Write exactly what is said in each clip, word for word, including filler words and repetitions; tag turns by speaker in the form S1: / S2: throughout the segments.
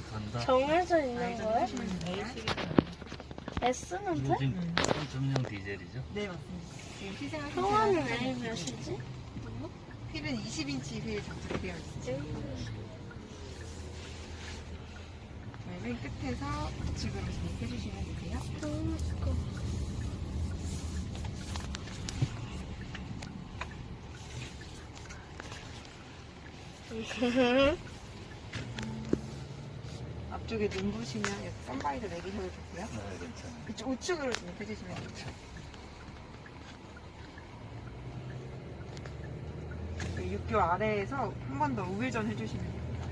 S1: 간다.
S2: 정해져 있는
S3: 아이전
S2: 거야?
S3: 하시면 돼요.
S2: S는
S1: 이거
S2: 돼?
S1: 지금 삼 점 영 디젤이죠?
S3: 네, 맞습니다. 지금 시승하신
S2: 평화는
S3: 차량은
S2: A 몇이지?
S3: 휠은 이십 인치 휠 장착이 되어 있어요. 네, 맨 끝에서 우측으로 진입해 주시면 되세요. 앞쪽에 눈 부시면 여기 선바이더 내리셔도 좋고요.
S1: 네, 괜찮아요.
S3: 그쪽 우측으로 진입해 주시면 돼요. 육 교 아래에서 한 번 더 우회전 해주시면 됩니다.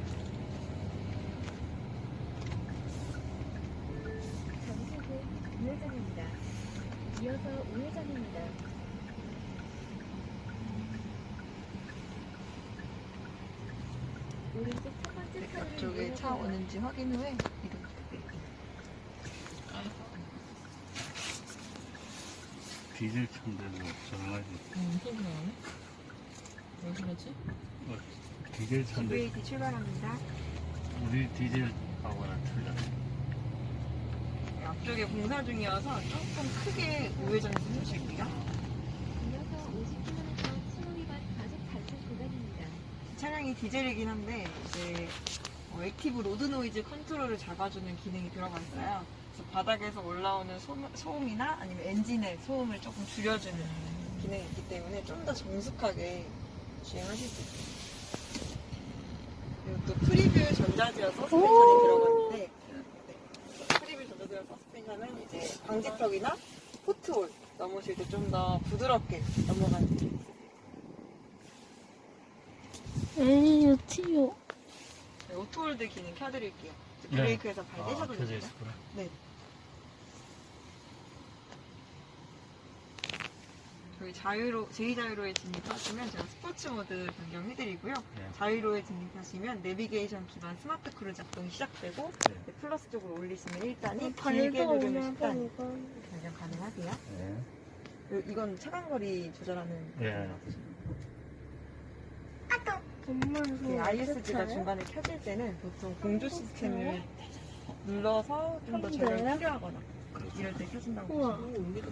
S4: 잠시 후 우회전입니다. 이어서 우회전입니다. 오른쪽 첫 번째
S3: 네,
S4: 차로를
S3: 앞쪽에 차
S4: 이용하여
S3: 오는지 확인 후에 이동 부탁드립니다.
S1: 디젤 차인데도 정말
S5: 음, 소리 나네? 왜 그러지?
S1: 어, 디젤 차인데
S3: 이브이에이티 출발합니다.
S1: 우리 디젤하고는 틀려요.
S3: 네, 앞쪽에 공사 중이어서 조금 크게 우회전 좀 해주실게요.
S4: 이어서 오십 킬로미터 신호 위반 과속 단속 구간입니다.
S3: 차량이 디젤이긴 한데 이제 뭐 액티브 로드 노이즈 컨트롤을 잡아주는 기능이 들어가 있어요. 그래서 바닥에서 올라오는 소음, 소음이나 아니면 엔진의 소음을 조금 줄여주는 기능이 있기 때문에 좀 더 정숙하게 주행하실 수 있어요. 그리고 또 프리뷰 전자제어 서스펜션이 들어가는데 네. 프리뷰 전자제어 서스펜션은 이제 방지턱이나 포트홀 넘으실 때 좀 더 부드럽게 넘어가는 기능이 있어요.
S2: A U T O.
S3: 네, 오토홀드 기능 켜드릴게요.
S1: 네.
S3: 브레이크에서 발
S1: 아,
S3: 떼셔도
S1: 켜져
S3: 됩니다.
S1: 있었구나.
S3: 네. 저희 자유로, 제이 자유로에 진입하시면 제가 스포츠 모드 변경해드리고요.
S1: 네.
S3: 자유로에 진입하시면 내비게이션 기반 스마트 크루즈 작동이 시작되고
S1: 네.
S3: 네, 플러스 쪽으로 올리시면 일 단이
S2: 어,
S3: 길게
S2: 발도
S3: 누르면
S2: 오면
S3: 십 단
S2: 이거.
S3: 변경 가능하세요.
S1: 네.
S3: 그리고 이건 차간거리 조절하는
S1: 네.
S2: 엄마
S3: 그
S2: 이거
S3: 아이에스지가
S2: 어떻게
S3: 중간에 켜질 때는 보통 공조 시스템을 눌러서 좀 더
S2: 한대요?
S3: 전력이 필요하거나 이럴 때 켜진다고
S2: 우와.
S3: 보시면 돼요.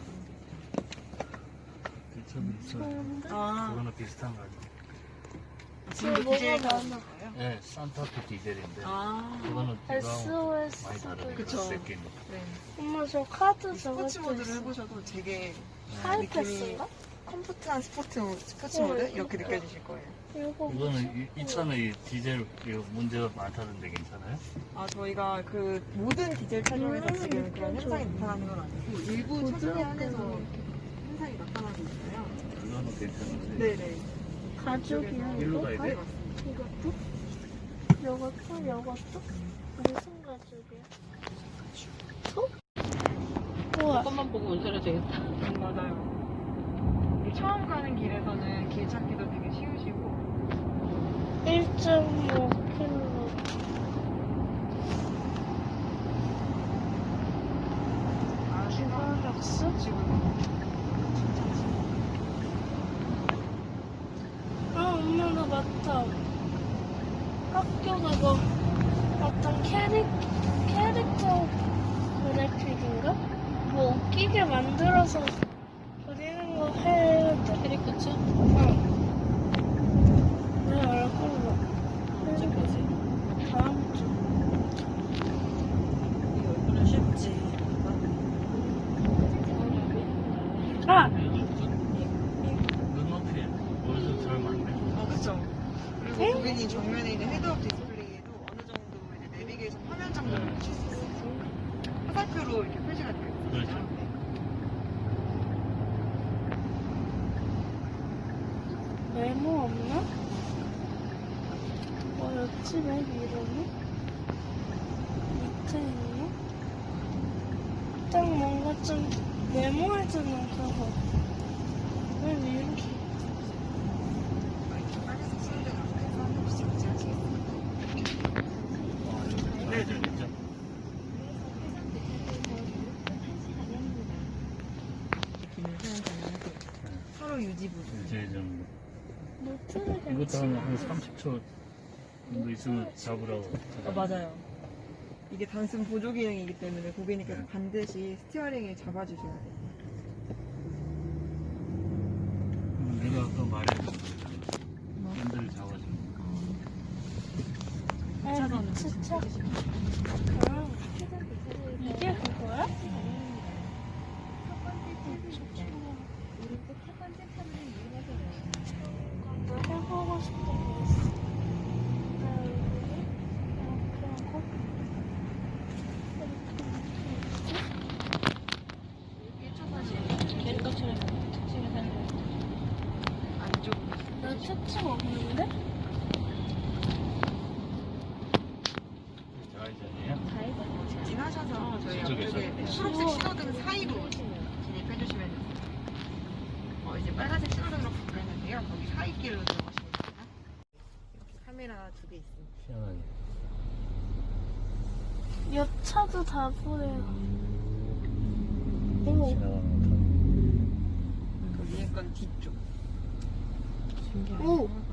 S1: 좀 있어요.
S2: 좋은데?
S3: 아,
S1: 그거는 비슷한 거 같아요.
S3: 지금도
S2: 뭐가
S3: 디젤
S2: 많아?
S3: 타시는 거예요?
S1: 네, 산타페 디젤인데
S3: 아,
S1: 그거는
S2: S
S1: 이거하고
S2: O S.
S1: 많이 다르니까
S3: 그쵸.
S1: 새끼는.
S3: 네.
S2: 엄마 저 카드
S3: 스포츠
S2: 저것도
S3: 모드를
S2: 있어.
S3: 해보셔도 되게
S2: 하이패스인가?
S3: 컴포트한 스포츠, 스포츠
S2: 어,
S3: 모드
S2: 이거
S3: 이렇게
S2: 뭐야?
S3: 느껴지실 거예요.
S2: 이거
S1: 이거는 이, 이 차는 이 디젤 이거 문제가 많다는데 괜찮아요?
S3: 아, 저희가 그 모든 디젤 차종에서
S2: 음,
S3: 지금 그런
S2: 그렇죠.
S3: 현상이 나타나는 건 아니고 일부 차종에
S2: 부드럽게
S3: 한해서
S2: 이렇게.
S3: 현상이 나타나고 있어요.
S1: 그거는 괜찮은데.
S3: 네네.
S2: 가죽이야
S1: 일로
S2: 이거?
S1: 가야 돼?
S3: 네, 맞습니다.
S2: 이것도? 이것도? 이것도? 무슨 가죽이야? 소? 우와.
S5: 조금만 보고 운전해도 되겠다.
S3: 음, 맞아요. 이 처음 가는 길에서는 길 찾기도 되게 쉬우시고
S2: 일 점 오 킬로미터.
S3: 아,
S2: 주바락스?
S3: 지금
S2: 아, 엄마, 나 맞다. 학교 그거, 어떤 캐릭, 캐릭터 그래픽인가? 뭐 웃기게 만들어서 그리는 거 해야 돼.
S5: 캐릭터츠?
S2: 응. 내 얼굴로.
S5: 언제까지?
S2: 다음 주.
S3: 이 얼굴은 쉽지.
S2: 아!
S1: 눈높이 어디서 잘 맞네.
S3: 어, 그쵸. 그리고
S2: 응?
S3: 고객님 정면에 있는 헤드업 디스플레이에도 어느 정도 이제 내비게이션 화면 정도를
S1: 네.
S3: 보실 수 있어요. 화살표로 이렇게 표시가 되어 있어요.
S1: 그렇죠.
S2: 메모 없나? 뭐였지, 맨 이름이? 밑에 있나? 딱 뭔가 좀 메모해주는 그거. 맨 이렇게.
S3: 이렇게 빨간색 쓰는데 앞에서 한 번씩 정지하시겠어요?
S1: 어, 이거 좌회전이죠?
S3: 기능 사용 가능하세요. 서로 유지 보조.
S1: 이제 좀
S2: 노트를
S1: 이것도 한, 한 삼십 초 정도 있으면 잡으라고.
S3: 어, 맞아요. 이게 단순 보조 기능이기 때문에 고객님께서 반드시 스티어링을 잡아주셔야 돼요.
S1: 음, 내가 아까 말했어. 핸들을 잡아주는 거.
S2: 아,
S3: 차선은
S2: 진짜. 아, 이게 그거야?
S4: 첫 번째 차선입니다. 오른쪽 첫 번째 차선을 이용하세요.
S2: 나 해보고 싶은 게 있어. 나 여기 이렇게 하고
S5: 캐릭터처럼 특징이 생겨.
S3: 안쪽.
S2: 나 특징 없는데?
S1: 좌회전이에요?
S3: 직진하셔서 저희
S1: 저쪽에서?
S3: 앞쪽에 초록색 신호등 사이로 진입해주시면 돼요. 어, 이제 빨간색 신호등으로 바뀌었는데요. 거기 사이 길로 들어가시면 됩니다. 이렇게 카메라 두 개 있습니다.
S1: 시원하게.
S2: 옆 차도 다 보여. 오,
S1: 지나가는 거.
S3: 그 위에 건 뒤쪽.
S5: 신기하다.
S2: 오,